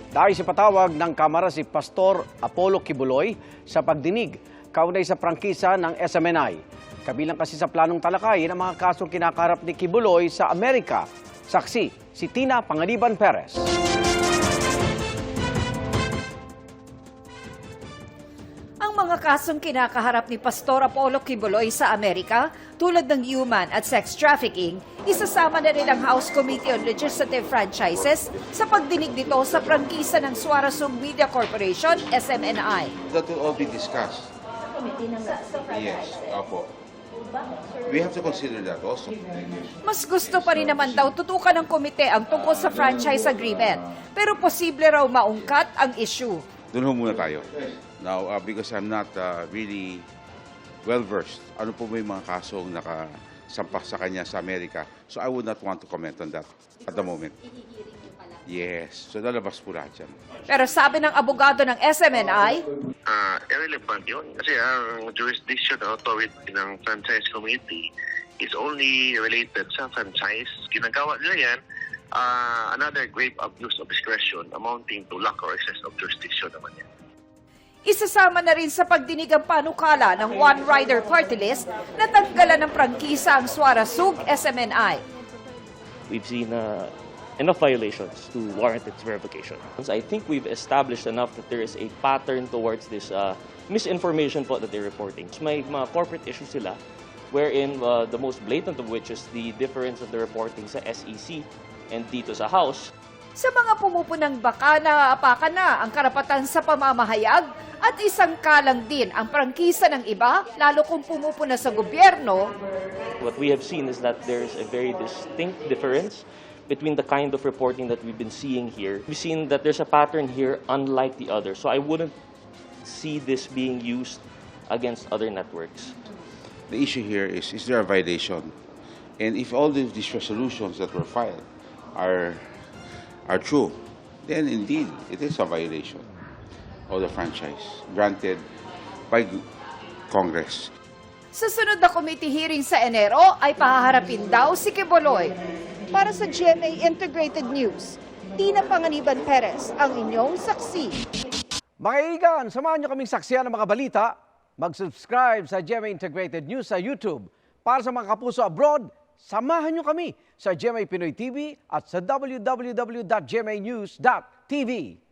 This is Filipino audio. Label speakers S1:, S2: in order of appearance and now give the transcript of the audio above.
S1: Dahil sa patawag ng Kamara si Pastor Apollo Kibuloy sa pagdinig kaunay sa prangkisa ng SMNI. Kabilang kasi sa planong talakayin ang mga kasong kinakaharap ni Kibuloy sa Amerika. Saksi, si Tina Pangaliban Perez.
S2: Ang mga kasong kinakaharap ni Pastor Apollo Kibuloy sa Amerika, tulad ng human at sex trafficking, isasama na rin ang House Committee on Legislative Franchises sa pagdinig nito sa prangkisa ng Suarezung Media Corporation, SMNI.
S3: That will all be discussed. Yes, opo. We have to consider that also.
S2: Mas gusto pa rin naman daw tutukan ng komite ang tungkol sa franchise agreement, pero posible raw maungkat ang issue.
S3: Doon ho muna tayo. Now, because I'm not really well-versed, ano po ba yung mga kasong nakasampak sa kanya sa Amerika? So I would not want to comment on that at the moment. Yes, so lalabas po lahat yan.
S2: Pero sabi ng abogado ng SMNI,
S4: irrelevant yun. Kasi ang jurisdiction authority ng franchise committee is only related sa franchise. Ginagawa nila yan, another grave abuse of discretion amounting to lack or excess of jurisdiction naman yan.
S2: isasama na rin sa pagdinig ang panukala ng One Rider Party List na tanggalan ng prangkisa ang Suarezung SMNI.
S5: We've seen enough violations to warrant its revocation. I think we've established enough that there is a pattern towards this misinformation po that they're reporting. May mga corporate issues sila wherein the most blatant of which is the difference of the reporting sa SEC and dito sa House.
S2: Sa mga pumupunang baka naaapakan na ang karapatan sa pamamahayag at isang kalang din ang prangkisa ng iba, lalo kung pumupuna sa gobyerno.
S5: What we have seen is that there's a very distinct difference between the kind of reporting that we've been seeing here. We've seen that there's a pattern here unlike the other. So I wouldn't see this being used against other networks.
S3: The issue here is there a violation? And if all these resolutions that were filed are true, then indeed it is a violation of the franchise granted by Congress.
S2: Sa sunod na committee hearing sa Enero ay pahaharapin daw si Kibuloy. Para sa GMA Integrated News, Tina Pangaliban Perez, ang inyong saksi.
S1: Mga kaibigan, samahan niyo kaming saksiyan ng mga balita. Mag-subscribe sa GMA Integrated News sa YouTube. Para sa mga kapuso abroad, samahan niyo kami sa GMA Pinoy TV at sa www.gmanews.tv.